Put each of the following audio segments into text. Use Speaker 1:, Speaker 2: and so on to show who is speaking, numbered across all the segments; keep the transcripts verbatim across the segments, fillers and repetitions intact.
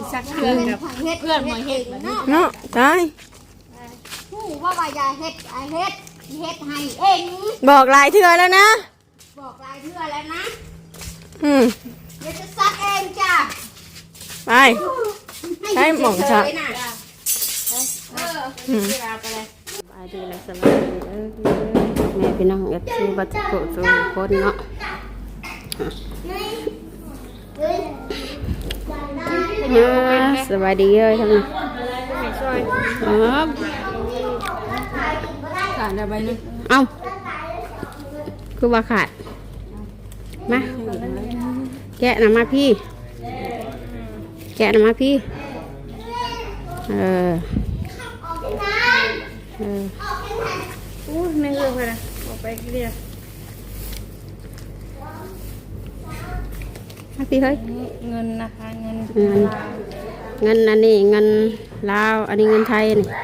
Speaker 1: สักเพื่อนกับเพื่อนมาเฮ็ด
Speaker 2: เนาะตาย
Speaker 3: ผู้ว่าว่าอย่าเฮ็ดอย่าเฮ็ดเฮ็ดให้เอง
Speaker 2: บอกหลายเทื่อแล้วนะ
Speaker 3: บอกหลายเทื่อแล้วนะ
Speaker 2: อืม
Speaker 3: เดี๋ยวจะซักเองจ้ะ
Speaker 2: ไปใช้หม่องชัก
Speaker 3: เออ
Speaker 2: อืมไปดีเลยสบายดีเออแม่พี่น้องเอฟซีบัตรโกะสุคนเนาะสบายดีเลยทั้งนั้นอ๋อ
Speaker 1: ขาดอะไรนึง
Speaker 2: เอ้าคือว่าขาดมาแกะนะมาพี่แกะนะมาพี่เออเออ
Speaker 1: อู้ไม่เลือกเลยนะออกไปกี่เดียว
Speaker 2: มาพี่เฮ้ย
Speaker 1: เงินนะคะเงิน
Speaker 2: เงินเงินอันนี้เงินลาวอันนี้เงินไทยนี่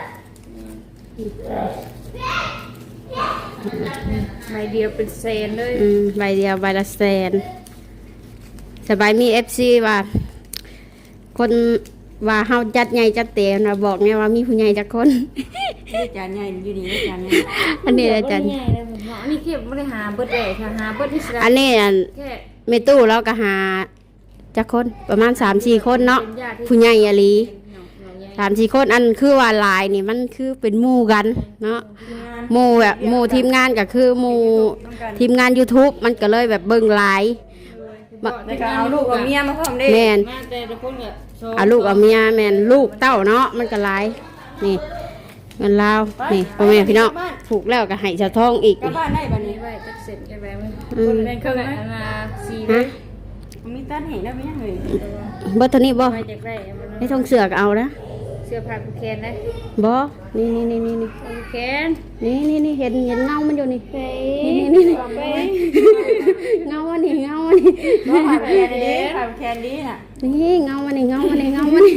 Speaker 1: ใบเดียวเป็นแสนเลย
Speaker 2: อืมใบเดียวใบละแสนสบายมีเอฟซีว่าคนว่าเฮาจัดใหญ่จัดเต็มนะบอกเนี่ยว่ามีผู้ใหญ่จักคน
Speaker 1: นี่จานใหญ่อยู่นี่จานใหญ่
Speaker 2: อันนี้อาจารย์
Speaker 1: ใหญ่เลยผมอันนี้เก็บไม่ได้หาเบิดเลยค่ะหาเบิดที่สุด
Speaker 2: อันนี้เมตู้เราก็หาจักคนประมาณ สามสี่ คนเนาะผู้ใหญ่อะลี สามสี่ คนอันคือว่าหลายนี่มันคือเป็นหมู่กันเนาะหมู่แบบหมู่ทีมงานก็คือหมู่ทีมงาน YouTube มันก็เลยแบบเบิ่งหลาย
Speaker 1: เอาลูกเอาเมียมาพร้อมได้
Speaker 2: แม่นเอาลูกเอาเมียแม่นลูกเต้าเนาะมันก็หลายนี่เงินลาวนี่พ่อแม่พี่น้องถูกแล้วก็ให้ชาวท้องอีก
Speaker 1: กลับบ้านได้บัดนี้ไว้จักเสร็จกันแล้วคนแบ่งครึ่งนะสี่เลยมีตัดให้ได้มั้ยเฮ้ย
Speaker 2: บ่เท่านี้บ่ให้ท้องเสือกเอานะ
Speaker 1: เสื้อผ้าผูกแขนนะ
Speaker 2: บ่นี่นี่นี่นี่นี่
Speaker 1: ผูกแขน
Speaker 2: นี่นี่นี่เห็นเห็นเงามันอยู่นี่นี่นี่นี่เงาอันนี้เงาอันนี้
Speaker 1: ผ้าผูกแขนดีผ้าผูกแขนดีน่ะ
Speaker 2: นี่เงาอันนี้เงาอันนี้เงาอันนี้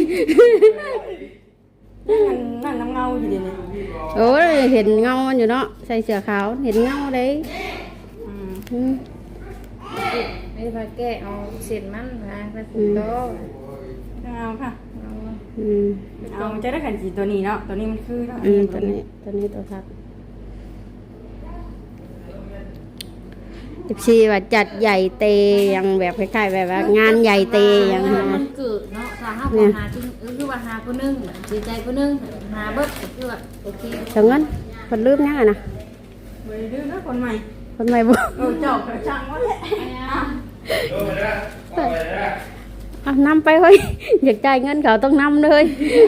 Speaker 1: นั่นน้ำเงาอยู่ดิเนี่ย
Speaker 2: โอ้ยเห็นเงามันอยู่เนาะใส่เสื้อขาวเห็นเงาเลย
Speaker 1: อืมไม่พาแก้เอาเศษมันมาไปผูกโตเอาค่ะเอาจะได้ขันสีตัวนี้เนาะตัวนี้มันคือเนาะ
Speaker 2: อืมตัวนี้ตัวนี้ตัวทับสิบสี่ว่าจัดใหญ่เตยังแบบคล้ายๆแบบว่างานใหญ่เตยัง
Speaker 1: มันเกิดเนาะถ้าหาคนหาจริงคือว่าหาคนนึงดีใจคนนึงหาเบิดคือว่าโอเค
Speaker 2: จังงั้นคนลืมยังไงนะ
Speaker 1: ไม่ลืมนะคนใหม่
Speaker 2: คนใหม่บุ
Speaker 1: เออจบจังวะแหละ
Speaker 2: เอานำไปเฮ้ยอยากจ่ายเงินเขาต้องนำเลย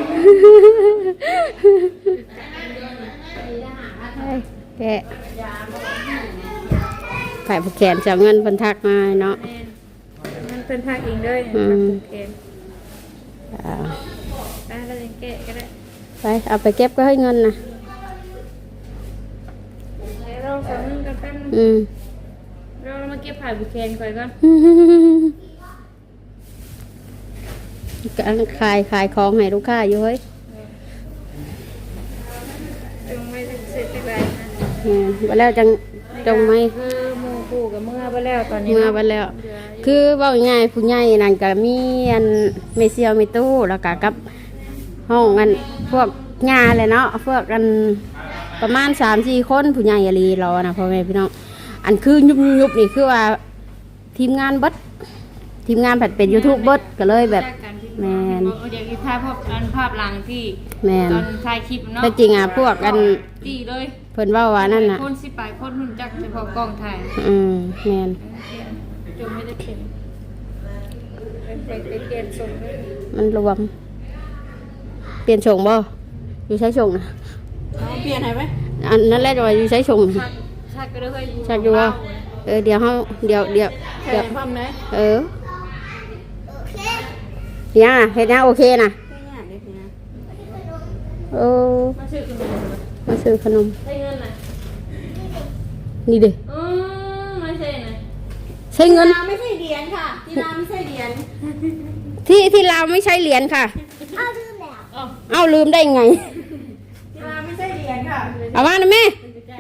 Speaker 2: แกขายผูกแขนจะเงินเพิ่นทักมาเนาะ
Speaker 1: มันเพิ่นทักเองเลยผูกแขนไปแล้วแกะก็ได้
Speaker 2: ไปเอาไปเก็บก็ให้เงินนะ
Speaker 1: เราสองนึงกันแป๊บนึง
Speaker 2: อืม
Speaker 1: เรามาเก็บผ่าผูกแขนก่อนก่อน
Speaker 2: การขายขายของให้ลูกค้าอยู่เฮ้ย
Speaker 1: จงไม่เสร็จไป
Speaker 2: เนี่ยไปแล้วจังจงไม่
Speaker 1: คือหมู่ปู่กับเมื่อไปแล้วตอนนี้
Speaker 2: เมื่อไปแล้วคือว่าง่ายผู้ใหญ่นั่นก็มีอันเมเซียวเมตู้แล้วก็กับห้องอันพวกงานเลยเนาะพวกกันประมาณสามสี่คนผู้ใหญ่อะไรรอนะพ่อแม่พี่น้องอันคือยุบยุบนี่คือว่าทีมงานบัดทีมงานผัดเป็นยูทูบเบิร์ดก็เลยแบบแมน
Speaker 1: เดี๋ยวถ่ายภาพอันภาพหลังที่
Speaker 2: แมน
Speaker 1: ตอนถ่ายคลิปเนาะ
Speaker 2: แต่จริงอ่ะพวกกัน
Speaker 1: ตีเลย
Speaker 2: เพิ่นว่าว่านั่นน่ะ
Speaker 1: คนสิไปคนหุ่นจักเฉพาะกล้องถ่าย
Speaker 2: อืมแมน
Speaker 1: จนไม่ได้เป็นเป็นเป็นเปลี่ยนส่งเลย
Speaker 2: มันรวมเปลี่ยนส่งบ่อยู่ใช้ส่งนะ
Speaker 1: เปลี่ยนไหนไหม
Speaker 2: อันนั้นแหละว่าอยู่ใช้ส่ง
Speaker 1: ชักก็เลย
Speaker 2: ชักอยู่ว่าเออเดี๋ยวเฮาเดี๋ยวเดี๋ยว
Speaker 1: เดี๋ยวพร้อมไหม
Speaker 2: เออยังอ่ะเฮ็ดยังโอเคนะเออมาซื้อขนม
Speaker 1: ใช้เงินน่ะ
Speaker 2: นี่เด้
Speaker 1: อืมไม่ใช่น่ะ
Speaker 2: ใช้เงิน
Speaker 1: ไม่ใช่เหรียญค่ะที่ลาวไม่ใช่เหรียญ
Speaker 2: ที่ที่ลาวไม่ใช่เหรียญค่ะ
Speaker 3: อ้าวลืมแล้ว
Speaker 2: เอ้าลืมได้ไง
Speaker 1: ที่ลาวไม่ใช่เหรียญค่ะ
Speaker 2: เอามานะแม่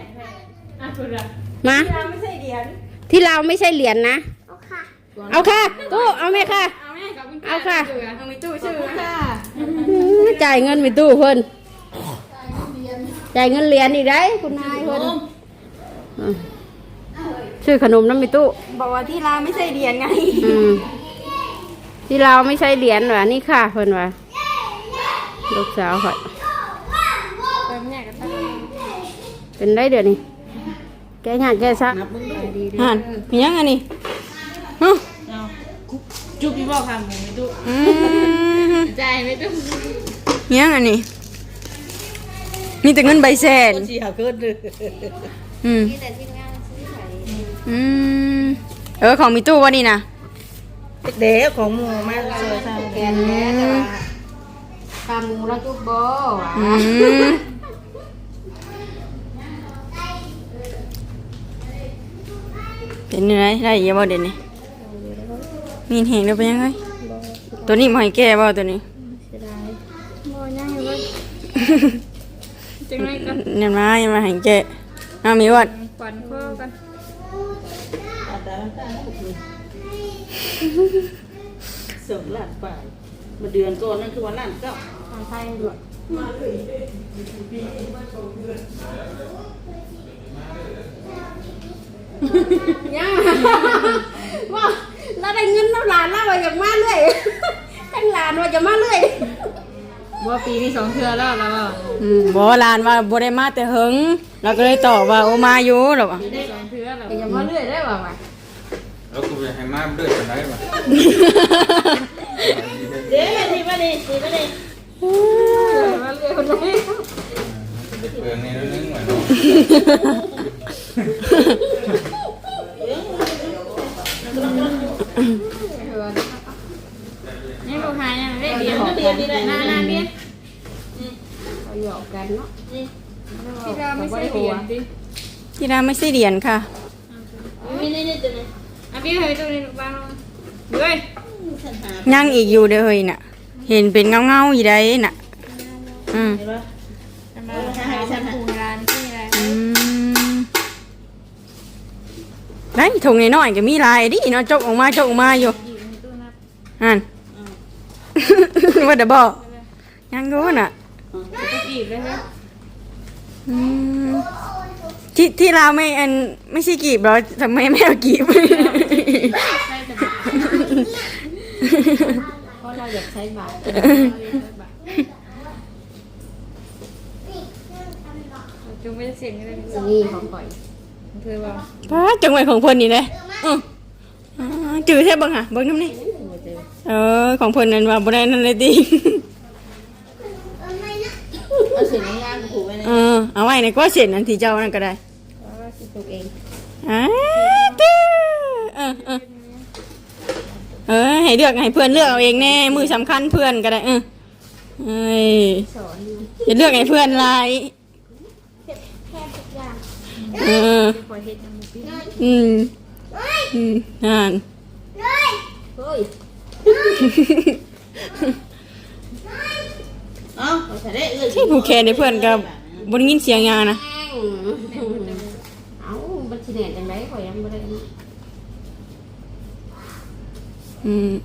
Speaker 2: มา
Speaker 1: ที่ลาวไม่ใช่เหรียญ
Speaker 2: ที่ลาวไม่ใช่เหรียญนะเอาค่ะตู้เอาแม่ค่ะ
Speaker 1: เอาแม่กับกุญ
Speaker 2: เอาค่ะ
Speaker 1: เอามีตู้ชื่อค่ะ
Speaker 2: จ่ายเงินไปตู้เพิ่นจ่ายเงินเหรียญอีกได้คุณนายเพิ่นอ่ะชื่อขนมน้ำมีตู้
Speaker 1: บอกว่าที่ลาไม่ใช่เดียนไง
Speaker 2: อืมที่เราไม่ใช่เหรียญหรอนี่ค่ะเพิ่นว่าลูกสาวค่ะ
Speaker 1: เติมเนี่ยกันตั้ง
Speaker 2: เป็นได้เดี๋ยวนี้แกหยาดแกซัก
Speaker 1: หันมียังไงนี่ฮะ
Speaker 4: จุ๊บพี่บอกค่ะหมูไม่ดุ
Speaker 1: อืม
Speaker 4: ใจไม่ดุ
Speaker 1: มียังไงนี่มีแต่เงินใบแสน
Speaker 4: เสียเกินเลย
Speaker 1: อืมอืมเออของมีตู้วะนี่นะ
Speaker 4: เด็กของหมูมาเจอทาง
Speaker 2: แกนแล้วแต่ว่าตามูแล้วจุ๊บบ่ว่ะ
Speaker 1: อืมเป็นยังไงได้เยอะบ่เด่นนี่มีเห็นแล้วเป็นยังไงตัวนี้มาให้แก้บ่ตัวนี้
Speaker 2: บ่ยังอยู่ว่า
Speaker 1: จังไรกันเนี่ยมายังมาให้แก้เอามีวัด
Speaker 2: ขวัญข้อกัน
Speaker 4: เสิร์ฟหลานไปมาเดือนก่อนนั่นคือวันหลานเจ้า
Speaker 2: ทางไทยด้วยยังว่าเราได้เงินน้ำหลานแล้วว่าอยากมาเรื่อยทั้งหลานว่าจะมาเรื่อย
Speaker 1: ว่าปีนี้สองเทื่อแล้วแล้วอืมบ่ลานว่าบ่ได้มาแต่หึงเราก็เลยตอบว่าโอมาอยู่หรอวะ
Speaker 2: สองเทื่อแล้วจะมาเรื่อยได้ป่าวะ
Speaker 5: แล้วกูจะให้มาเลือดกันได้ปะ
Speaker 4: เดี๋ยวทีมาดิทีมาดิ
Speaker 2: มาเรื่อยคนนี้
Speaker 5: เปลืองนี่แล้วนึงเหมือนเนาะ
Speaker 1: นี่ลูกหายยังได้
Speaker 4: เดี๋
Speaker 1: เดี
Speaker 4: ย
Speaker 1: ยว ว
Speaker 4: เดี๋ยวนี่ได้
Speaker 1: นานาเบี้ย
Speaker 2: เราหยอกกันเนาะ
Speaker 1: ที่ดาไม่ใช่เดียนดิที่ดาไม่ใช่เดียนค่ะ
Speaker 4: มีนี่นี่ตัวนี้
Speaker 1: อ่ะพี่เฮ้ยตัวนี้ลูกบ้านเฮ้ย
Speaker 4: ฉันหา
Speaker 1: ยังอีกอยู่เด้อเฮ้ยน่ะ เห็นเป็นเงาเงาๆอยู่ได้น่ะอืม
Speaker 4: เห็นปะ
Speaker 1: หาฉันหาร้านที่อะไรอืมได้ถุงน้อยๆก็มีลายดิเนาะจกออกมาจกออกมาอยู่อัน ว่าเดี๋ยวบอกยังรู้น่ะอืมที่ที่เราไม่อันไม่ใช่กีบเหรอทำไมไม่เอากีบ
Speaker 2: เพราะเราอยากใช้บาท
Speaker 1: จุงไม่ได้เสียงอะไร
Speaker 2: นี่ของก่อย
Speaker 1: เธอบอกป้าจังหวะของเพิ่นนี่เลยอืออ๋อจืดแท้บังหะเบิ่งน้ำนี่เออของเพิ่นนั่นว่าบ่ได้นั่นเลยติ
Speaker 4: เอาเสียงงานผูกไว้ใน
Speaker 1: เออเอาไว้ในก็เสร็จนั่นที่เจ้านั่นก็ได้
Speaker 2: เพราะว่าสิปลูกเอง
Speaker 1: อ่าตื้อเออเออเออให้เลือกให้เพื่อนเลือกเอาเองแน่มือสำคัญเพื่อนก็ได้เออเอ้ย
Speaker 2: สอนอยู่
Speaker 1: อย่าเลือกให้เพื่อนหลาย
Speaker 3: แค่ทุกอย่าง
Speaker 1: เออ
Speaker 2: คอยเฮ็ดยังบ่ปี
Speaker 1: อืมอืมอ่าน
Speaker 3: เลย
Speaker 2: เฮ้ย
Speaker 4: เอ้าเอาใส่ได้เลย
Speaker 1: ที่ผูกแขนในเพื่อนกับบนยินเสียงยานะ
Speaker 2: แม่งเอ้าบัญชีเน็ตจังได๋ข่อยยังบ่ได้นะ
Speaker 1: อืม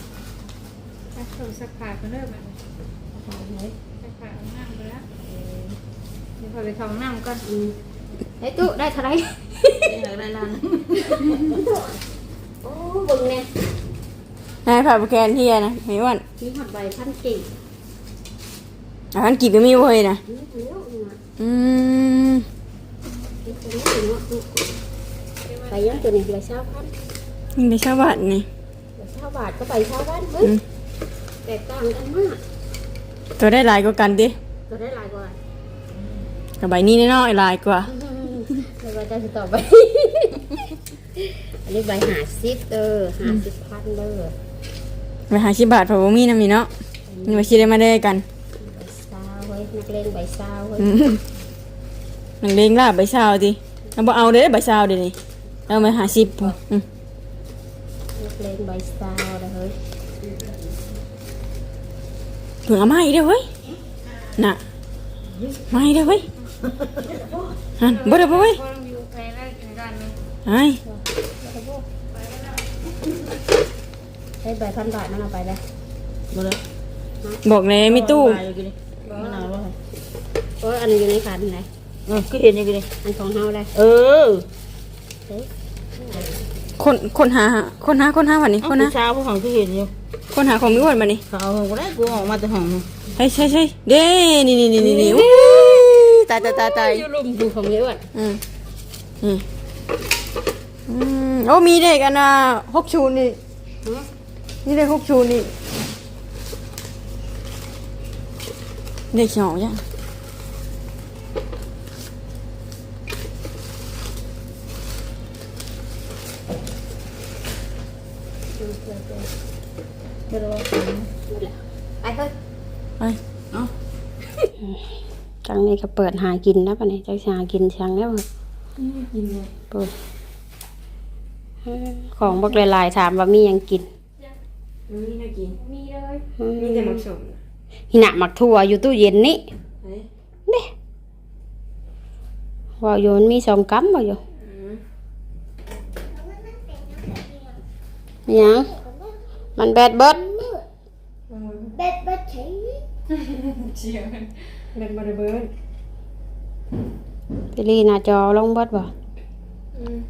Speaker 6: สักผ้าก็เริ่มแบบ
Speaker 2: เอาไว้
Speaker 6: สักผ้าเอาน้ำไปแล้วเดี๋ยวพอไปเข้าห้องน้ำก่อน
Speaker 2: อืมไอ้ตู้ได้เท่าไหร่
Speaker 4: ได้ล้าน
Speaker 2: โอ้เบิ่งแน่
Speaker 1: นายผ่าผูกแขนเฮียนะไม่อ้วัน
Speaker 2: มีฮอดใบพันกิ่ง
Speaker 1: อ่านกีบก็มีเว้ยนะ
Speaker 2: นี่เดี๋ยวนี่นะ
Speaker 1: อืม
Speaker 2: ไอ้ตัวนี้ถึงเนาะตู้ไปยังตัวนี้ใบชาวพัน
Speaker 1: นี่ไปชาวบ้านนี่
Speaker 2: ใบชาวบาทก็ใบชาวบ้านเบิ่งแตกต่างกันมาก
Speaker 1: ตัวได้หลายกว่ากันดิ
Speaker 2: ตัวได้หลายกว่า
Speaker 1: กับใบนี้น้อยๆหลายกว่า
Speaker 2: แล้วก็จะสิต่อไป อันนี้ใบหาซิปเออหาซิปพันเด้อ
Speaker 1: ไปหาชิบาทเพราะว่ามีน้ำมีเนาะนี่มาชิได้มาได้กัน
Speaker 2: ใบซาวเว้ยนักเลงใบซาวเว้ย
Speaker 1: อืมหนังเลงลาบใบชาวดิเอาบ่เอาเด้อใบชาวเดี๋ยวนี้เอามาหาชิบพุ่นอืม
Speaker 2: นักเลงใบซาวเลยเฮ้ย
Speaker 1: เผื่อเอามาอีกเด้อเว้ยน่ะมาอีกเด้อเว้ยฮันบ่ได้บ่เว้ย
Speaker 6: พอต้องอยู่ไปแล้วถึงกันนึง
Speaker 1: ไอ้
Speaker 2: ให้ใบพันบาทนั่นเอาไปเลย
Speaker 1: อ
Speaker 4: มาเลย
Speaker 1: บอกแน่มีตู้
Speaker 4: มะนาวว่า
Speaker 2: โอ้ยอันนี้อยู่ในขันไหน
Speaker 4: เออก็เห็นอยู่ดิ
Speaker 2: อันของเฮาได้
Speaker 4: เออ
Speaker 1: คนคนหาคนหาคนหาวันนี้
Speaker 4: เอา
Speaker 1: คนหา
Speaker 4: ผู้ชายผู้ของก็เห็นอยู่
Speaker 1: คนหาของมิวันมานี่
Speaker 4: เขาเอาก็ได้กูออกมาแต่ห้อง
Speaker 1: ใช่ใช่ใช่เด้นี่นี่นี่นี่นี่อู้ตายตายตายตาย
Speaker 2: อยู่ลุมดูของเยอะอ่ะ
Speaker 1: อืมนี่อืมโอ้มีเด็กอันน่ะหกชูนี่นี่เด็กหกชูนี่เด็กสองจ้ะ
Speaker 4: ไม่รู้ว่า
Speaker 3: ไปเฮ้ย
Speaker 1: ไป
Speaker 4: เอ้า
Speaker 2: จังนี้ก็เปิดหากินนะปะเนี่ยจังสิหากินช่างแล้วเปิดของบักหลายๆถามว่ามีหยังกิน
Speaker 1: มีน่ากิน
Speaker 6: มีเลย
Speaker 2: อืม
Speaker 1: มีแต่หมักสม
Speaker 2: หินะหมักถั่วอยู่ตู้เย็นนี่นี่ว่าอยู่มันมีสองกัมว่าอยู่หยังมันแบดเบิด
Speaker 3: เบ็ดเบ็ดฉี
Speaker 1: เชียร์เป็นบริเบิร์ด
Speaker 2: ไปรีหน้าจอลงเบิดบ่
Speaker 1: อืม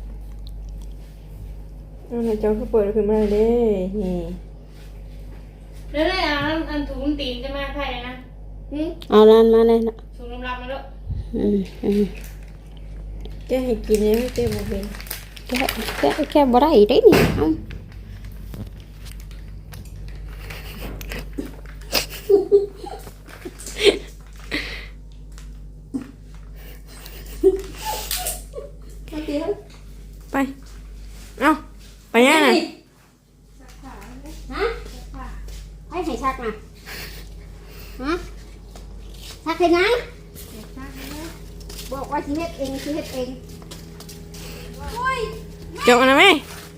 Speaker 1: แล้วในจอเขาเปิดขึ้นมาเลยเด้นี่
Speaker 6: แล้วได้อ่านอันถุงตีนจะมาใครนะ
Speaker 2: เอานั่นมาเลยนะ
Speaker 6: ถุงน้ำรับมาแล้ว
Speaker 2: อืมอืม
Speaker 1: แกให้กินยังไม่เต็มบ่เป็น
Speaker 2: แค่แค่แค่บ่ได้ได้นี่เอา
Speaker 1: ไปเอ้าไปยังไง
Speaker 2: ฮะให้ให้ชักนะฮะชักให้นะบอกว่าสิเฮ็ดเองสิเฮ็ดเอง
Speaker 1: จบอันนั้นไหม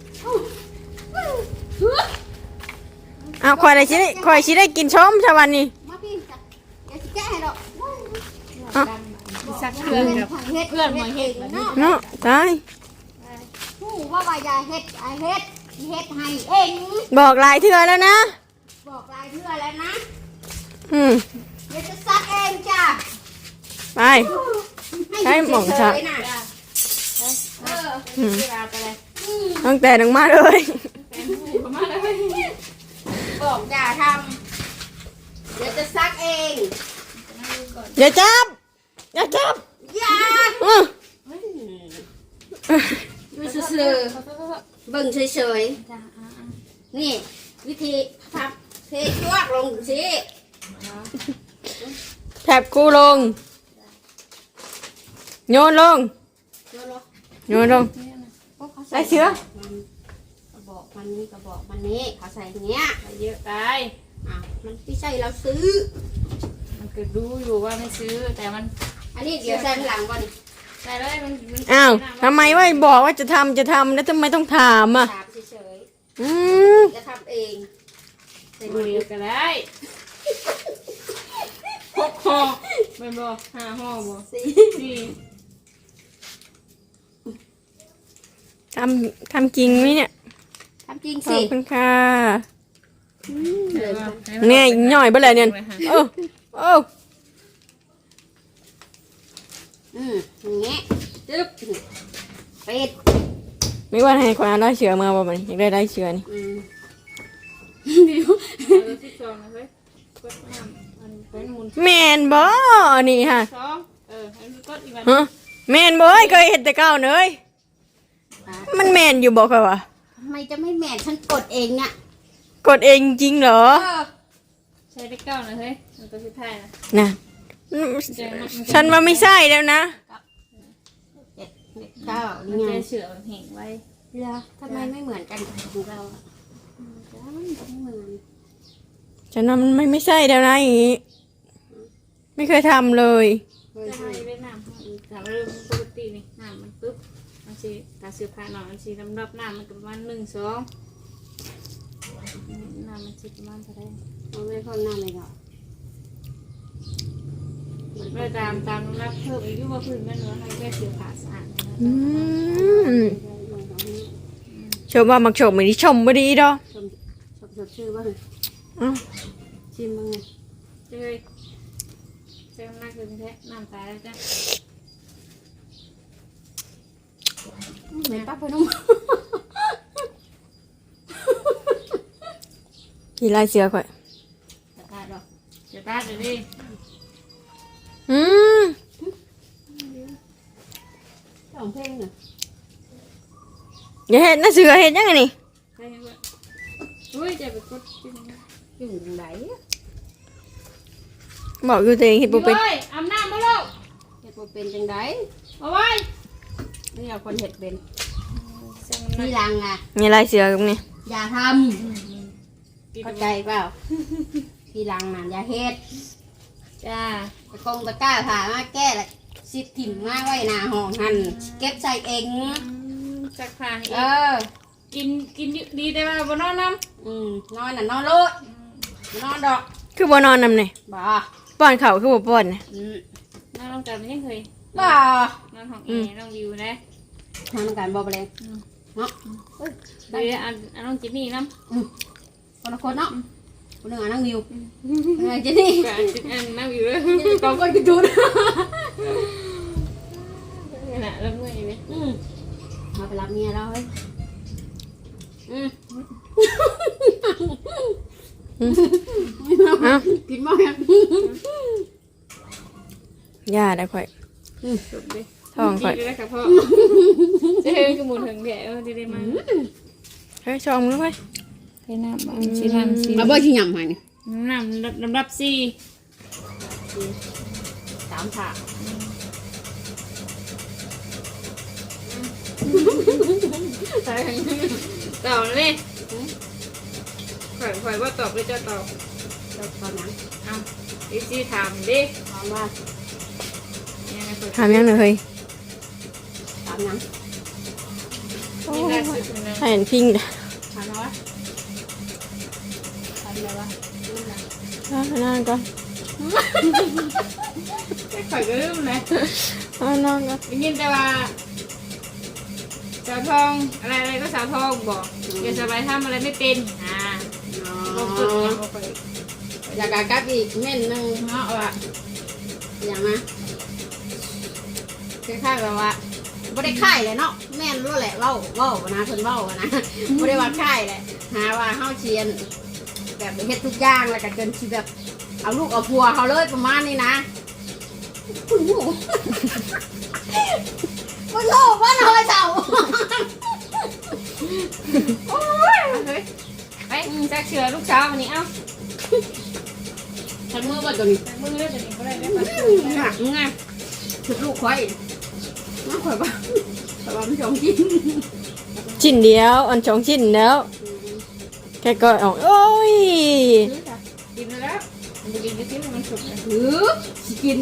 Speaker 1: เอาคอยอะไรชิได้คอยชิได้กินชมชาวันนี้
Speaker 3: มาพี่จ้ะเดี๋ยวสิแกะให้ดอก
Speaker 6: สัก
Speaker 3: เพื่
Speaker 6: เพื่อ
Speaker 3: อน น
Speaker 6: กับ
Speaker 3: เฮ็ดเพื่อนมาเฮ็ดเนาะ
Speaker 1: เนาะตาย
Speaker 3: ผู้ว่าว่าอย่าเฮ็ดอย่าเฮ็ดเฮ็ดให้เอง
Speaker 1: บอกหลายเทื่อแล้วนะ
Speaker 3: บอกหลายเทื่อแล้วนะ
Speaker 1: อืม
Speaker 3: เดี๋ยวจะซักเองจ้ะ
Speaker 1: ไป ใช่หม่องชัก
Speaker 3: เฉยๆน่ะเออ
Speaker 1: อืม
Speaker 6: เวลาไปเลย
Speaker 1: ตั้งแต่นังมาเลย
Speaker 6: มาเลย
Speaker 3: บอกอย่าทำเดี๋ยวจะซักเอง
Speaker 1: อย่าจับอย่าจับ
Speaker 3: อย่า
Speaker 1: อื้อ
Speaker 3: ดูซื่อๆเบิ่งเฉยๆนี่ วิธีทำเทชวกลงสิ
Speaker 1: แถบกูลงโยนลงโยนลงได้เชื้อก
Speaker 3: ระบอกมันนี่กระบอกมันนี่เขาใส่อย่างเงี้ย
Speaker 6: เยอะตาย
Speaker 3: อ่ะมันไม่ใช่เราซื้อ
Speaker 6: มันก็รู้อยู่ว่าไม่ซื้อแต่มัน
Speaker 3: อันนี้เดี๋ยวใส่ข้างหลังก่อน
Speaker 6: ใส่เลยมันมัน
Speaker 1: อ้าวทำไมว่าบอกว่าจะทำจะทำแล้วทำไมต้องถามอ่ะ
Speaker 3: ถามเฉย
Speaker 1: อืม
Speaker 3: ๆจะทำเอง
Speaker 6: ใส่มือเดียวก็ได้หกห่อไม่บอกห้าห่อบอกสี่
Speaker 1: ทำทำจริงไหมเนี่ย
Speaker 3: ทำจริง
Speaker 1: ขอ
Speaker 3: สิ
Speaker 1: บคุณค่ะ
Speaker 3: เลย
Speaker 1: แน่หน่อยเบ่เลยเนี่ยโอ้โอ้
Speaker 3: อืมอย่างเงี้ยจึ๊บเป็ด
Speaker 1: ไม่ว่าให้คนได้เชื้อมาบ่มันอยากได้ได้เชื้อนี่
Speaker 3: อืม
Speaker 6: เอาสิบสองนะเฮ้ยกดน้ำมันเป็นหมุน
Speaker 1: แมนบ่นี่ฮะ
Speaker 6: สองเอออันนี้กดอีกวัน
Speaker 1: ฮะแมนบ่เอ้ยเคยเห็นแต่เก้าเนยมันแมนอยู่บอกค่ะวะ
Speaker 3: ทำไมจะไม่แม่นฉันกดเองเนี่ย
Speaker 1: กดเองจริงเหรอ
Speaker 3: เออ
Speaker 6: ใช้ได้เก้านะเฮ้ยมันตัวสุดท้ายนะ
Speaker 1: นะฉันว่าไม่ใช่แล้วนะ
Speaker 3: เจ็ดเจ็ดเก้า
Speaker 6: มัน
Speaker 3: นี่ไง
Speaker 6: จะเฉื่อยแห้งไว้
Speaker 3: เหรอทำไมไม่เหมือนกันกับของเราอ่ะอืมจ้ามันไม่เหมือน
Speaker 1: ฉันว่ามันไม่ไม่ใช่แล้วนะอย่างงี้ไม่เคยทำเลย
Speaker 6: จะให้เวียดนามแต่เริ่มปกตินี่น้ำมันปึ๊บมันชีตาเสือผ้าหน่อยมันชีลำดับน้ำมันก็ประมาณหนึ่งสองน้ำมันชีประมาณเท่าไหร่
Speaker 3: เราไม่ได้พ่นหน้าเลยเหรอ
Speaker 6: เมื่อตามตามลำดับเพิ่มอายุว่าพื้นมันเหลือให้แค่เสือผ้าสะอาดนะ
Speaker 1: อืมชมว่ามักชมไม่ได้ชมไม่ดีดอก
Speaker 3: ชมชมชมชื่อว่า
Speaker 1: อ
Speaker 2: อ้าว
Speaker 3: ชิมมึงไง
Speaker 6: เฮ้ยเจ้าหน้าคือแท้น้ำตาแล้วจ้ะ
Speaker 3: เหม็นปั๊บไปนุ่ม
Speaker 2: กี่ลายเสือข่อย
Speaker 3: จะตายดอก
Speaker 6: เดี๋ยวตาเดี๋ยวดิ
Speaker 2: อืม
Speaker 3: สองเพลงน่ะ
Speaker 2: อย่าเห็นนะเสือเห็นยังไงนี่
Speaker 6: ใช่ไหมอุ้ยจะไปกดกิน
Speaker 3: อยู่ไหน
Speaker 2: บอกอยู่ตัวเองเห็นบ่เป็น
Speaker 6: เฮ้ยอาบน้ำมาแล้ว
Speaker 3: เฮ็ดบ่เป็นจังได
Speaker 6: เอาไว้
Speaker 3: นี่เอาคนเฮ็ดเป็น
Speaker 6: เสียง
Speaker 3: ที
Speaker 6: มัน
Speaker 3: หลังอ่ะ
Speaker 2: มีลายเสือกับนี่
Speaker 3: อย่าทำเข้าใจเปล่าทีหลังน่ะอย่าเฮ็ด
Speaker 6: จ้า
Speaker 3: ตะกงตะกร้าผ่ามาแก้ละสิถิ่มมาไว้หน้าห้องหันเก็บใส่เอง
Speaker 6: จักผ่าน
Speaker 3: เอ
Speaker 6: อีก
Speaker 3: อ
Speaker 6: กินกินดีแต่ว่าบนนอนน้
Speaker 3: อืมนอนน่ะนอนโลดนอนดอก
Speaker 2: คือบ่นอนนำนี่
Speaker 3: บ่
Speaker 2: ป้อนเขาวคือบ่ป้อนนะ
Speaker 3: อืม
Speaker 6: ำนอนลงกันไม่ยังเคย
Speaker 3: บ่
Speaker 6: นอนห้องเอน้องวิวนะ
Speaker 3: ทำกันบ่ไปเลยเนาะ
Speaker 6: เดี๋ยวอันอันน้องจิมมี่น้
Speaker 3: คนละคนเนาะคนหนึ่งอ่ะนั่งวิวเออเจนี่
Speaker 6: ำกับอันอันน้องวิวเลย
Speaker 3: กองก้นกระจุน
Speaker 6: นี่แหละแล้วเมื่อยไหม
Speaker 3: อืมมาไปรับเมียแล้วเฮ้ยอืม
Speaker 2: เอ้า
Speaker 3: กินบ่ยัง
Speaker 2: ย่าได้ข่อย
Speaker 6: จบดิ
Speaker 2: ท้องข่อย
Speaker 6: ดีเลยค่ะพ่อจะเห็นกระมุนถึงแผลเออดีเลยมา
Speaker 2: เฮ้ยชมด้วย
Speaker 6: เทน้ำบ้างชีน้ำชี
Speaker 3: มาบ่ชิยำให้นี่
Speaker 6: น้ำน้ำรับซี
Speaker 3: สามถาด
Speaker 6: ตอบเลยข่อยข่อยว่าตอบหรือจะตอบ
Speaker 3: เจ้าตอนนั้น
Speaker 6: เอาอีซีถามดิ
Speaker 3: ถามว่า
Speaker 6: ยังไงข่อย
Speaker 2: ถามยังหน่อยเฮ้ย
Speaker 3: ถามยัง
Speaker 6: นี่ล่าสุดนะ
Speaker 2: ให้เห็นพิงจ้ะ
Speaker 3: ถามว่าถามอะไรวะ
Speaker 2: เอานอนก่อน
Speaker 6: ข่อยก็ลืมเลย
Speaker 2: เอานอนก่อน
Speaker 6: ได้ยินแต่ว่าสาวทองอะไรอะไรก็สาวทองบอกเดี๋ยวสบายทำอะไรไม่เป็นอ่า
Speaker 3: อ๋อ
Speaker 6: บอกฝึกเนี่ยบอกฝึก
Speaker 3: อยากกะกับอีกเม่นหนึงเนาะว่าอย่างนะคล้ายๆแบบว่าบ่ได้ค่ายเลยเนาะแม่นรู้แหละเว้าเว้านะเพิ่นเว้านะบ่ได้ว่าค่ายแหละหาว่าเฮาเชียน แบบเฮ็ดทุกอย่างแล้วก็จนสิแบบเอาลูกเอาผัวเขาเลยประมาณนี้นะคุณผู้มันโลกว่าน้อยเจ้า
Speaker 6: โอ้ยเฮ้ยไปแจ็คเชือลูกสาววันนี้เอ้า
Speaker 3: ฉันมือว่าตัวนี้
Speaker 6: แต่มึงเลือกตัวนี้ก็ได้ได้ปะ
Speaker 3: หนักไงชุดลูกควายน้าข่อยบ้าข่อยบ้ามันจองกิน
Speaker 2: ชิ้นเดียวอันสองชิ้นแล้วแค่ก็ออกโอ้ย
Speaker 6: กินไปแล้วมันจะกินที่ที่มันสุกเลย
Speaker 3: หรือสิกิน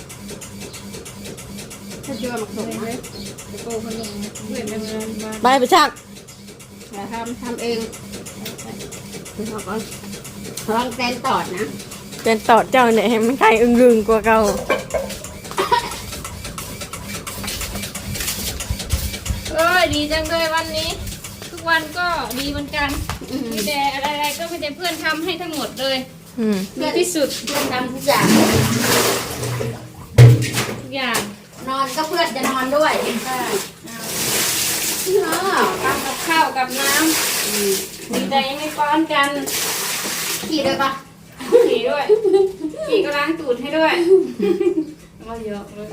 Speaker 3: ถ้าเจอหมักสมนะ
Speaker 6: ตะโกนคนหนึ่งเพื่อนเดินมา
Speaker 2: ไปไปชัก
Speaker 3: อย่าทำทำเองไปทำก่อนลองแตนตอดนะ
Speaker 2: เป็นตอดเจ้าเนี่ยให้มันใครอึ้งรึงกว่าเก่า
Speaker 6: เอ้ยดีจังเลยวันนี้ ทุกวันก็ดีเหมือนกันมีแต่อะไรๆก็มีแต่เพื่อนทำให้ทั้งหมดเลย
Speaker 2: อืม
Speaker 6: ดีที่สุด
Speaker 3: เพื่อนทำทุกอย่าง
Speaker 6: ทุกอย่าง
Speaker 3: นอนก็เพื่อนจะนอนด้วยใช่เนาะ
Speaker 6: ทำกับข้าวกับน้ำดีใจยังไม่ป้อนกัน
Speaker 3: ขี่ด้วยปะ
Speaker 6: ขี่ด้วยขี่ก็ล้างตูดให้ด้วยก็เยอะเลย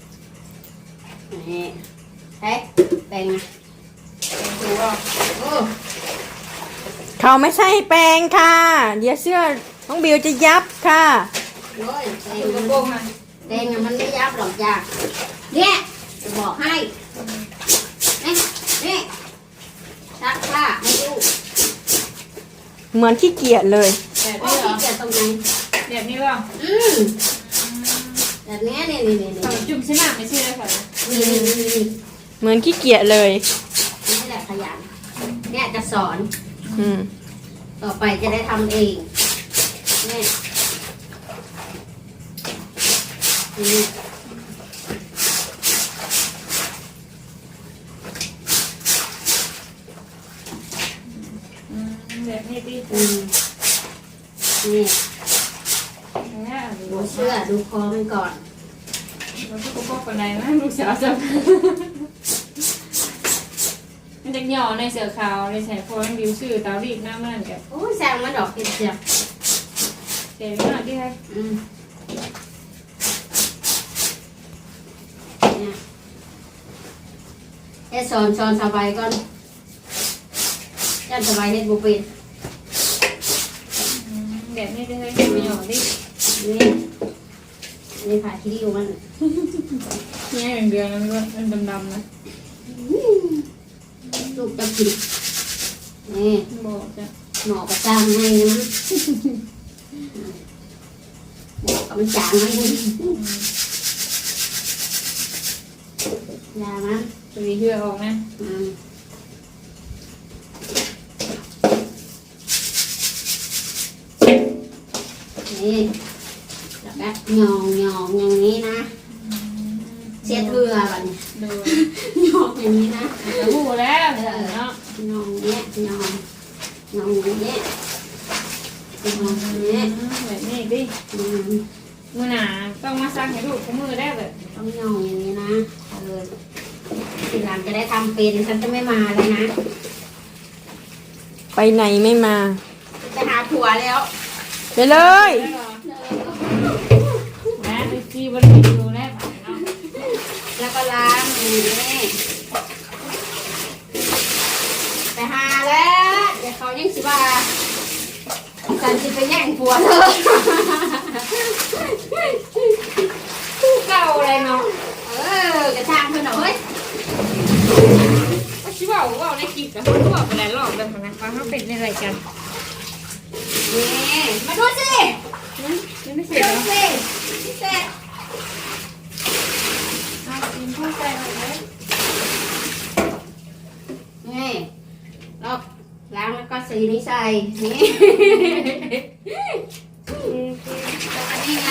Speaker 3: นี่เฮ้ยแต่ง
Speaker 6: ดูว่า
Speaker 3: โอ้
Speaker 2: เขาไม่ใช่แปลงค่ะ เดี๋ยวเสื้อน้องบิวจะยับค่ะ
Speaker 3: โอ้ยแต่ง
Speaker 6: ดูกระโป
Speaker 3: มั
Speaker 6: ร
Speaker 3: น
Speaker 6: งอ่ะ
Speaker 3: แต่งมันไม่ยับหรอกจ้ะเนี่ยจะบอกให้นี่นี่ซักผ้าให้ลูก
Speaker 2: เหมือนขี้เกียจเลย
Speaker 6: แบบ
Speaker 3: โอ้
Speaker 6: นี้เหรอ
Speaker 3: ที่เกิดตรงไหน
Speaker 6: แบบนี้เหรอ
Speaker 3: อืมแบบนี้นี่นี่นี่
Speaker 6: ขนมจุ่มใช่ไหมไม่ใช่เลยค่ะ
Speaker 3: นี่นี่นี่นี่
Speaker 2: เหมือนขี้เกียจเลย
Speaker 3: นี่แหละขยันเนี่ยจะสอน
Speaker 2: อืม
Speaker 3: ต่อไปจะได้ทำเองนี่นี่
Speaker 6: แบบนี้ดี
Speaker 3: อืมเสื้อดูคอมันก่อน
Speaker 6: เราก็พกปันไดนะลูกสาวจะมันจะหย่อในเสือขาวในแสงโฟนบิวชื่อเตารีบหน้ามันกับ
Speaker 3: โอ้ยแซงมันดอกเก็บเสียบ
Speaker 6: เจ๋งมากที่ให้
Speaker 3: อืมเนี่ยเฮ็ดสอนสอนสบายก่อนยันสบายเฮ็ดบุเป็น
Speaker 6: แบบนี้ได้ให้ไม่หย่อดิ
Speaker 3: นี่นี่ผ่าที่ริ้วมัน
Speaker 6: นี่อย่างเดียวนะมันดำๆนะ
Speaker 3: ลูกจะกินนี่
Speaker 6: บอกจ้ะ
Speaker 3: หมอประจางให้นะหมอกับมันจางให้ยามัน
Speaker 6: จะมีเหือออกนะ
Speaker 3: อืมนี่แล้วก็หยองหยองอย่างนี้นะเช็ดเรือแบบนี้
Speaker 6: ดู
Speaker 3: หยองอย่างนี้นะ
Speaker 6: จะหูแล้วเนาะ
Speaker 3: หยองเนี้ยหยองหยองอย่างนี้หยองอย่างนี้
Speaker 6: แบบนี้ดิ
Speaker 3: อืม
Speaker 6: มือหนาต้องมาซักให้ลูกมือได้แบบ
Speaker 3: ต้องหยองอย่างนี้นะเออทีหลังจะได้ทำเป็นฉันจะไม่มาเลยนะ
Speaker 2: ไปไหนไม่มา
Speaker 3: จะหาผัวแล้ว
Speaker 2: ไปเลย
Speaker 6: นะไปซีบริษัทดูแลเนาะ
Speaker 3: แล้วก็ล้างอย่างนี้ไปหาแล้วเดี๋ยวเขายังสิว่าฉันจะไปแย่งผัวเธอ
Speaker 6: เก่าเลยเนาะ
Speaker 3: เออกระชากเพื่อนหน่อยเฮ้ย
Speaker 6: ก็ชิว่าว่าในคลิปกับเขาบอกไปหลายรอบแล้วนะว่าเขาเป็นอะไรกัน
Speaker 3: นี่มาดูสิ
Speaker 6: ยังไม่เสร็จ
Speaker 3: ดู
Speaker 6: เนาะ
Speaker 3: สิพี่เสร็จ
Speaker 6: เอากินเข้าใจเลย
Speaker 3: นี่แล้วล้างแล้วก็สีนี้ใส่นี่แล้วก็นี่ไง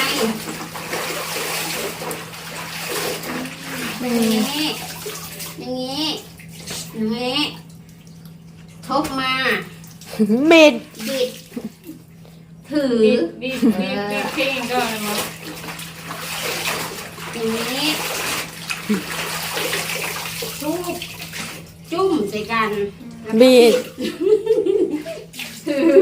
Speaker 3: อย่างนี้อย่างนี้อย่างนี้ทุบมา
Speaker 2: เม็ด
Speaker 3: บิดถือ
Speaker 6: บีบบีบบีบบีบเพลงก่อนเนาะ
Speaker 3: อย่างนี้จุ๊บจุ่มใส่กันแล้วก็
Speaker 2: บีด
Speaker 3: ถือ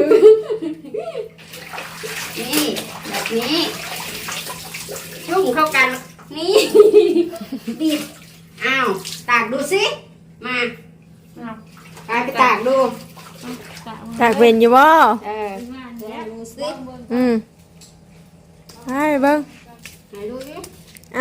Speaker 3: นี่แบบนี้จุ่มเข้ากันนี่ บิดอ้าวตากดูสิมา
Speaker 6: เอา
Speaker 3: กายไปตากดู
Speaker 2: ตากเป็นอยู่บ่
Speaker 3: เออ
Speaker 6: งานแล้ว
Speaker 3: ดูสิ
Speaker 2: อืมให้เบิ่ง
Speaker 3: ไหนดูสิ
Speaker 2: เอา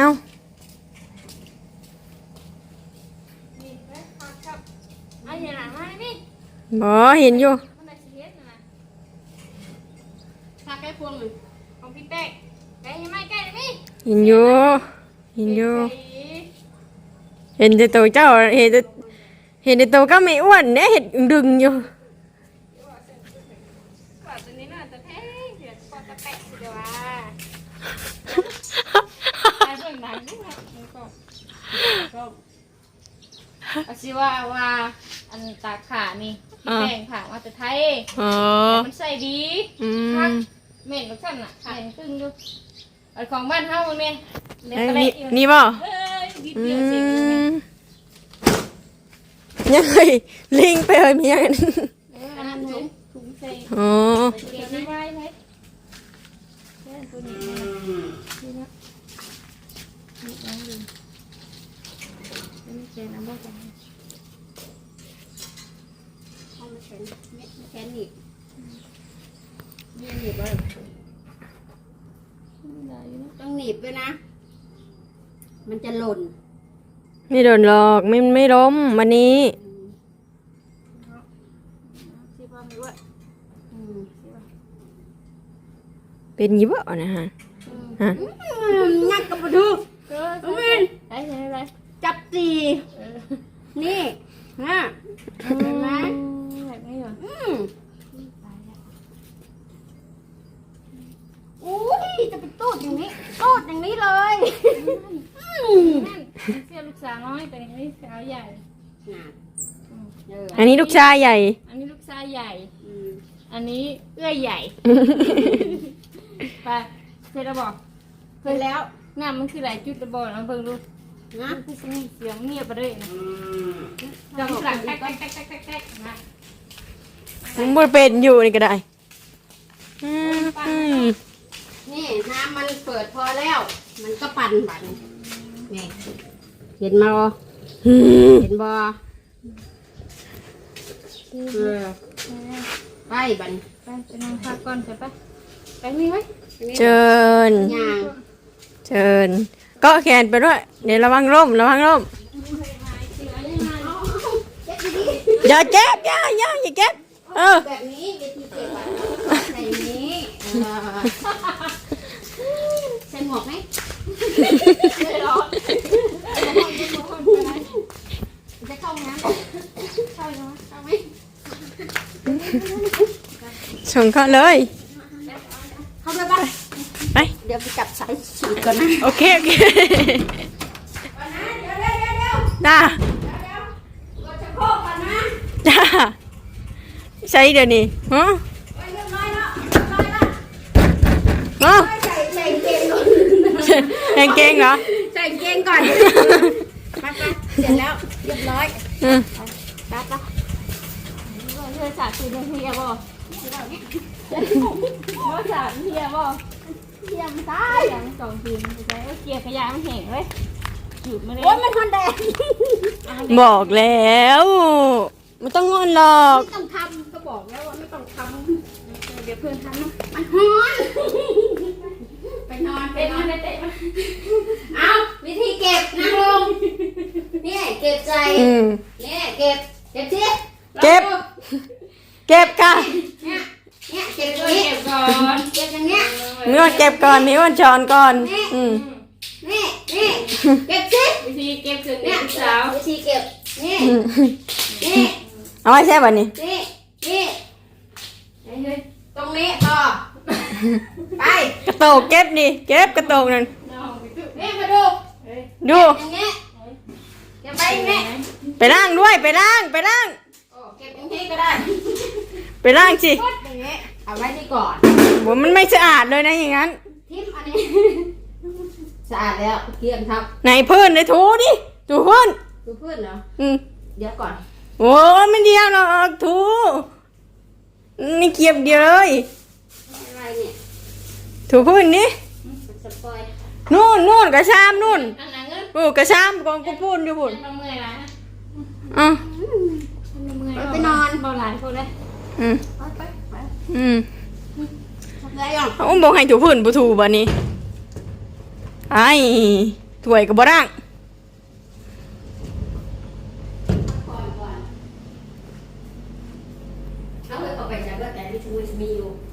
Speaker 6: เอาอย่างไรมาดิ
Speaker 2: บ่เห็นอยู่
Speaker 6: มันได้เสียนะ
Speaker 3: ตากให้พวงหนึ่ง
Speaker 6: ของพี่แป๊กใกล้ไม่ใกล้เลยพี่
Speaker 2: เห็นอยู่เห็นอยู่เห็นแต่ตัวเจ้าเห็นแต่เห็นแต่ตัวก็ไม่อ้วนเนี่ยเห็นดึงอยู่
Speaker 6: กว่าตัวนี้น่าจะแท้เดี๋ยวกว่าจะแปะสิเดี๋ยวว่าไอ้เบิ่งหนังนี่ครับมันก็ก็อาชีว่าว่าอันตาขานี่พี่แป้งผ่ามาแต่ไทย
Speaker 2: อ๋อ
Speaker 6: มันใส่ดี
Speaker 2: อื
Speaker 6: คัก
Speaker 2: ม
Speaker 6: เหม็นลูกท่านน่ะเหม็นตึ้งอยู่อันของบ้านเฮาเนี่ยเล็ก
Speaker 2: เอ้ย
Speaker 6: กระเล็
Speaker 2: นี่
Speaker 6: กอยู่
Speaker 2: นี่บ่
Speaker 6: เอ้ยดิบ
Speaker 2: อื
Speaker 6: เดียวเสร็จเลย
Speaker 2: มยังไงลิงไปเลยมียังไง
Speaker 6: เอออันนั้นถุงถุงใส่
Speaker 2: อ๋อ
Speaker 6: เก็บไว้ไว้แค่ตัวนี้นี่นะนี่น้องดูนี่เจนน้ำบ่จัง
Speaker 3: เอามาแขนเม็ดมาแขนหนีบนี่หนีบไว้
Speaker 6: ได้อยู่นะ
Speaker 3: ต้องหนีบด้วยนะ มันจะหล่น
Speaker 2: ไม่โดนหรอกไม่ไม่ล้มวันนี้
Speaker 6: ที่พ่อมีว่า
Speaker 3: อืม
Speaker 2: เป็นอยี่บ่นะฮะฮะ
Speaker 3: งัดกับมาดู
Speaker 6: เออ
Speaker 3: เอาเว้น
Speaker 6: ได้ใช่ไหม
Speaker 3: จับตี
Speaker 6: เออ
Speaker 3: นี่ฮะเห็นไหม
Speaker 6: แบบนี้เหรอ
Speaker 3: อืมอุ้ยจะไปตูดอย่างนี้ตูดอย่างนี้เลยอืม
Speaker 6: นั่นเสียลูกสาวน้อยแต่นี่สาวใหญ่
Speaker 3: น่ะเออ
Speaker 2: อันนี้ลูกชายใหญ่
Speaker 6: อันนี้ลูกชายใหญ่
Speaker 3: อืม
Speaker 6: อันนี้เอื้อยใหญ่ ไปเสร็จแล้วบอก
Speaker 3: เห็นแล้ว
Speaker 6: น้ำมันคือหลายจุดระบอนะเพิ่งดู
Speaker 3: นะ
Speaker 6: มันคือเสียงเงียบไปเลยนะจังหลังแก๊กแก๊กแก๊กแก๊กแก๊กนะ
Speaker 2: มันบ่เป็นอยู่นี่ก็ได้อืมอืม
Speaker 3: นี่น้ำมันเปิดพอแล้ว มันก็ปั่นปั่นนี่เห็นมาบ่
Speaker 2: อืม
Speaker 3: เห็นบ่เออไปบัน
Speaker 6: ไปไปนั่งพักก่อนจะไปไปมีไหม
Speaker 2: เชิญ
Speaker 3: ย่าง
Speaker 2: เชิญก็แขนไปด้วยเดี๋ยวระวังร่มระวังร่มอย่าเก็บอย่าอย่าอย่าเก็บเออ
Speaker 3: แบบนี้วิธีเก็บอะใส่อย่างนี้เออใส่หมวกไหม
Speaker 6: ไม่ร้อน
Speaker 3: จะเข้าห้องน้ำเข้ายังเข้าไหม
Speaker 2: ส่งเข้าเลย
Speaker 3: เข้าไปบ้าง
Speaker 2: ไป
Speaker 3: เดี๋ยวไปจับสายฉีดก่อนนะ
Speaker 2: โอเคโอเค
Speaker 3: ก่อนนะเดี๋ยวเดี๋ยวเดี๋ยวเดี๋ยว
Speaker 2: จ้า
Speaker 3: เดี๋ยวเดี๋ยวกดชะโครกก่อนนะ
Speaker 2: จ้าใช้เดี๋ยวนี้ฮะ
Speaker 3: ไว้เรียบร้อยแล้วเรียบร้อยแล้ว
Speaker 2: ฮะ
Speaker 3: ใส่ใส่เกงก่อน
Speaker 2: แกงเกงเหรอ
Speaker 3: ใส่เกงก่อนไปไปเสร็จแล้วเรียบร้อย
Speaker 2: อืม
Speaker 3: ไปไป
Speaker 6: เธอสาดคือเฮียบ่ว่าสาดเฮียบ่เฮียมันตายอย่างสองคืนไปใช้เกียร์ขยะมันแห้งเลยหยุดมาเลย
Speaker 3: โอ้ยมันทนแดด
Speaker 2: บอกแล้วไม่ต้องงอนหรอก
Speaker 3: ไม่ต้องทำก็บอกแล้วว่าไม่ต้องท
Speaker 6: เดี๋ยวเพื่อนทำนะ
Speaker 3: ำมันฮ้อนไปนอนไป
Speaker 6: เตะ
Speaker 3: นอ
Speaker 6: มาน เตะมา
Speaker 3: เอาวิธีเก็บนั่งลงนี่เก็บใจ
Speaker 2: อืม
Speaker 3: นี่เก็บเก็บสิ
Speaker 2: เก็บ เก็บค่ะ
Speaker 3: เนี่ยเนี่ยเก็บอ
Speaker 6: ช่
Speaker 3: ย่าง
Speaker 6: วย
Speaker 3: นี้
Speaker 6: เก็บก่อน
Speaker 3: เก็บอย่างเงี้ย
Speaker 2: มีวันเก็บก่อนมีวันช้อนก่อนอืม
Speaker 3: นี่นี่เก็บสิ
Speaker 6: วิธีเก็บคือ
Speaker 3: เนี่
Speaker 6: เนี่ย ยสาว
Speaker 3: วิธีเก็บนี่
Speaker 2: อืม
Speaker 3: นี่
Speaker 2: เอาไว้แช่บันนี้
Speaker 3: นี่นี่ตรงนี้ต่อไป
Speaker 2: กระโตกเก็บดิเก็บกระโตกนั่น
Speaker 3: นี่มาดู
Speaker 2: ดู
Speaker 3: อย่างเงี้ยเก็บไปอย่างเงี้ย
Speaker 2: ไปล้างด้วยไปล้างไปล้าง
Speaker 3: โอ้เก็บอย่างนี้ก็ได้
Speaker 2: ไปล้างสิ
Speaker 3: อย่างเงี้ยเอาไว้นี่ก่อน
Speaker 2: ผมมันไม่สะอาดเลยนะอย่างนั้น
Speaker 3: ทิมอันนี้ สะอาดแล้วเกลี่ยงครับ
Speaker 2: ไหนพื้นเลยถูดิถูพื้น
Speaker 3: ดูเพื่อนเหรอ
Speaker 2: อืม
Speaker 3: เดี๋ยวก่อน
Speaker 2: โอ้ยไม่เดียวหรอกถูนี่เกียบเดียวเลย
Speaker 3: อะไรเนี่ย
Speaker 2: ถูพื้นนี่
Speaker 3: สปอย
Speaker 2: นู่นนู่นกระชามนู่น
Speaker 6: อันนั้นเงิน
Speaker 2: โอ้กระชามกองกูพูนอยู่บุญ
Speaker 6: มันเมื่อยละ
Speaker 2: อ่ะ
Speaker 6: มันเมื่อย
Speaker 3: ไปนอน
Speaker 6: เบาหลายคนเลย
Speaker 2: อืม
Speaker 3: ไปไปไป
Speaker 2: อืม
Speaker 3: ทำไรอ่ะ
Speaker 2: เขาบอกให้ถูพื้นบ่ถูบ่นี้ไอ้ถ้วยก็บ่ร่าง
Speaker 3: ก่อนก่อนเอาไปเอาไปจากเลือดแต่ที่ชูมีอยู่